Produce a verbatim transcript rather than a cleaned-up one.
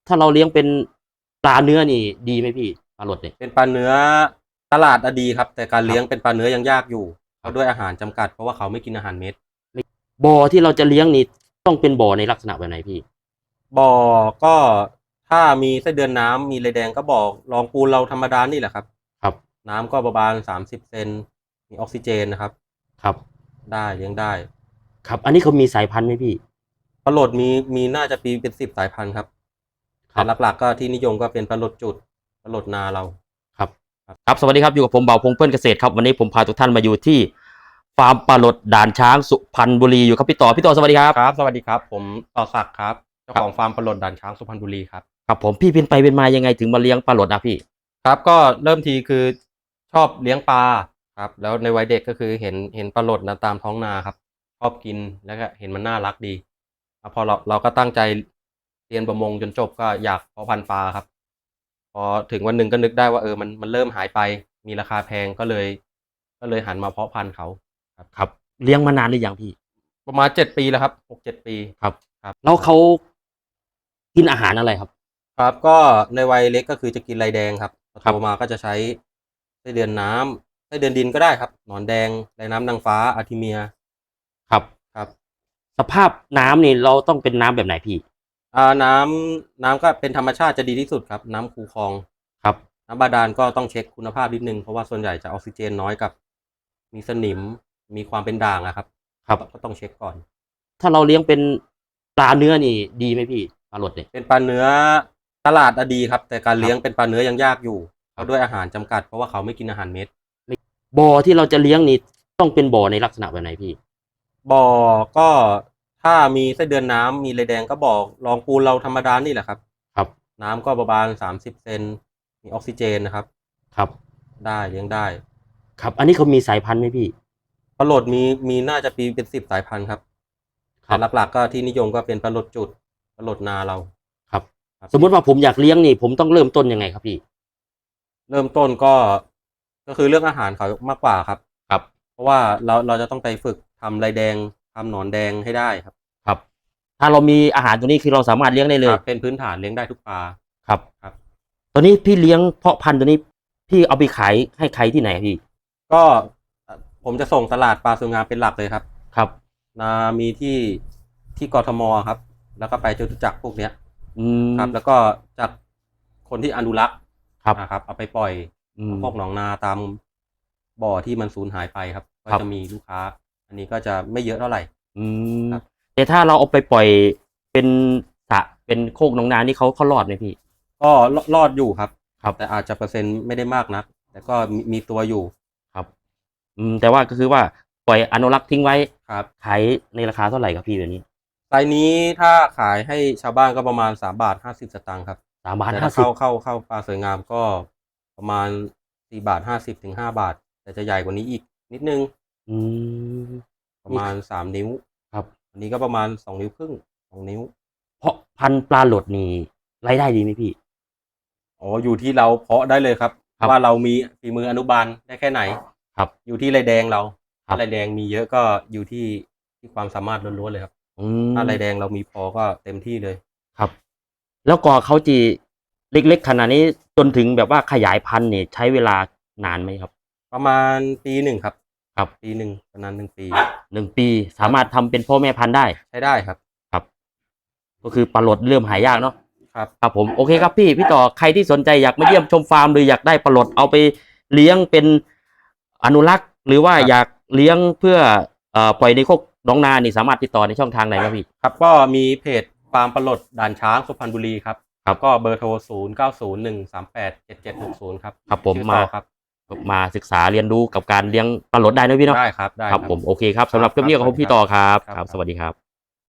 ถ้าเราเลี้ยงเป็นปลาเนื้อนี่ดีไหมพี่ปลาหลดเนี่ยเป็นปลาเนื้อตลาดอะดีครับแต่การเลี้ยงเป็นปลาเนื้อยังยากอยู่เพราะด้วยอาหารจำกัดเพราะว่าเขาไม่กินอาหารเม็ดบ่อที่เราจะเลี้ยงนี่ต้องเป็นบ่อในลักษณะแบบไหนพี่บ่อก็ถ้ามีไส้เดือนน้ำมีไรแดงก็บ่อรองปูนเราธรรมดานี่แหละครับครับน้ำก็ประมาณสามสิบเซนมีออกซิเจนนะครับครับได้เลี้ยงได้ครับอันนี้เขามีสายพันธุ์ไหมพี่ปลาโหลดมีมีน่าจะปีเป็นสิบสายพันธุ์ครับแต่หลักๆก็ที่นิยมก็เป็นปลาโหลดจุดปลาโหลดนาเราครับครับสวัสดีครับอยู่กับผมเบาพงเพื่อนเกษตรครับวันนี้ผมพาทุกท่านมาอยู่ที่ฟาร์มปลาหลดด่านช้างสุพรรณบุรีอยู่ครับพี่ต่อพี่ต่อสวัสดีครับครับสวัสดีครับผมต่อศักดิ์ครับเจ้าของฟาร์มปลาโหลดด่านช้างสุพรรณบุรีครับครับผมพี่เป็นไปเป็นมายังไงถึงมาเลี้ยงปลาหลดนะพี่ครับก็เริ่มทีคือชอบเลี้ยงปลาครับแล้วในวัยเด็กก็คือเห็นเห็นปลาโหลดนะตามท้องนาครับชอบกินแล้วก็เห็นมันน่ารักดีพอเราเราก็ตั้งใจเรียนประมงจนจบก็อยากเพาะพันธุ์ปลาครับพอถึงวันหนึ่งก็นึกได้ว่าเออมันมันเริ่มหายไปมีราคาแพงก็เลยก็เลยหันมาเพาะพันธุ์เขาครับครับเลี้ยงมานานหรือยังพี่ประมาณเจ็ดปีแล้วครับหกเจ็ดปีครับครับแล้วเขากินอาหารอะไรครับครับก็ในวัยเล็กก็คือจะกินไรแดงครับพอครัโตบมาก็จะใช้ไส้เดือนน้ำไส้เดือนดินก็ได้ครับหนอนแดงไรน้ำนางฟ้าอาร์ทิเมียครับครับสภาพน้ำนี่เราต้องเป็นน้ำแบบไหนพี่อ่าน้ำน้ำก็เป็นธรรมชาติจะดีที่สุดครับน้ำคูคลองครับน้ำบาดาลก็ต้องเช็คคุณภาพนิดนึงเพราะว่าส่วนใหญ่จะออกซิเจนน้อยกับมีสนิมมีความเป็นด่างอะครับครับก็ต้องเช็คก่อนถ้าเราเลี้ยงเป็นปลาเนื้อนี่ดีไหมพี่ปลาหลดเนี่ยเป็นปลาเนื้อตลาดอะดีครับแต่การครับเลี้ยงเป็นปลาเนื้อยังยากอยู่เพราะด้วยอาหารจำกัดเพราะว่าเขาไม่กินอาหารเม็ดบ่อที่เราจะเลี้ยงนี่ต้องเป็นบ่อในลักษณะแบบไหนพี่บ่อก็ถ้ามีไส้เดือนน้ำมีไรแดงก็บ่อรองปูนเราธรรมดานี่แหละครับครับน้ำก็ประมาณสามสิบเซนมีออกซิเจนนะครับครับได้เลี้ยงได้ครับอันนี้เขามีสายพันธุ์ไหมพี่ปลาโหลดมีมีน่าจะปีเป็นสิบสายพันธุ์ครับแต่หลักๆก็ที่นิยมก็เป็นปลาโหลดจุดปลาโหลดนาเราครับสมมติว่าผมอยากเลี้ยงนี่ผมต้องเริ่มต้นยังไงครับพี่เริ่มต้นก็ก็คือเรื่องอาหารเขามากกว่าครับครับเพราะว่าเราเราจะต้องไปฝึกทำไรแดงทำหนอนแดงให้ได้ครับครับถ้าเรามีอาหารตัวนี้คือเราสามารถเลี้ยงได้เลยเป็นพื้นฐานเลี้ยงได้ทุกปลาครับครับตัวนี้พี่เลี้ยงเพาะพันธุ์ตัวนี้พี่เอาไปขายให้ใครที่ไหนพี่ก็ผมจะส่งตลาดปลาสวยงามเป็นหลักเลยครับครับนามีที่ที่กทมครับแล้วก็ไปจตุจักรพวกเนี้ยอืมครับแล้วก็จากคนที่อนุรักษ์ครับนะครับเอาไปปล่อยพวกหนองนาตามบ่อที่มันสูญหายไปครับก็จะมีลูกค้าอันนี้ก็จะไม่เยอะเท่าไหร่อืมแต่ถ้าเราเอาไปปล่อยเป็นสระเป็นโคกหนองนานี่เขาเขารอดไหมพี่ก็รอดอยู่ครับครับแต่อาจจะเปอร์เซ็นต์ไม่ได้มากนักแต่ก็มีมีตัวอยู่ครับอืมแต่ว่าก็คือว่าปล่อยอนุรักษ์ทิ้งไว้ครับขายในราคาเท่าไหร่ครับพี่แบบนี้ไซส์นี้ถ้าขายให้ชาวบ้านก็ประมาณสามบาทห้าสิบสตางค์ครับสามบาทแต่ห้าสิบถ้าเข้าเข้าเข้าปลาสวยงามก็ประมาณสี่บาทห้าสิบถึงห้าบาทแต่จะใหญ่กว่านี้อีกนิดนึงอืมประมาณสามนิ้วครับอันนี้ก็ประมาณสองนิ้วครึ่งสองนิ้วเพราะพันธุ์ปลาหลดนี่รายได้ดีไหมพี่อ๋ออยู่ที่เราเพาะได้เลยครับว่าเรามีฝีมืออนุบาลได้แค่ไหนครับอยู่ที่ไรแดงเราถ้าไรแดงมีเยอะก็อยู่ที่ที่ความสามารถล้วนๆเลยครับอืมถ้าไรแดงเรามีพอก็เต็มที่เลยครับ แล้วก็เขาจีเล็กๆขนาดนี้จนถึงแบบว่าขยายพันธุ์เนี่ยใช้เวลานานไหมครับประมาณปีหนึ่งครับครับปีหนึ่งประมาณหนึ่งปีหนึ่งปีสามารถทำเป็นพ่อแม่พันธุ์ได้ใช้ได้ครับครับก็คือปลาหลดเริ่มหายากเนาะครับครับผมโอเคครับพี่พี่ต่อใครที่สนใจอยากมาเยี่ยมชมฟาร์มหรืออยากได้ปลาหลดเอาไปเลี้ยงเป็นอนุรักษ์หรือว่าอยากเลี้ยงเพื่อเอ่อปล่อยในโคกหนองนานี่สามารถติดต่อในช่องทางไหนครับพี่ครับก็มีเพจฟาร์มปลาโหลดด่านช้างสุพรรณบุรีครับครับก็เบอร์โทรศูนย์เก้าศูนย์หนึ่งสามแปดเจ็ดเจ็ดหกศูนย์ครับครับผมมาครับมาศึกษาเรียนรู้กับการเลี้ยงปลาหลดได้นะพี่เนาะได้ครับได้ครับผมโอเคครับสำหรับคลิปนี้ขอบคุณพี่ต่อครับครับสวัสดีครับ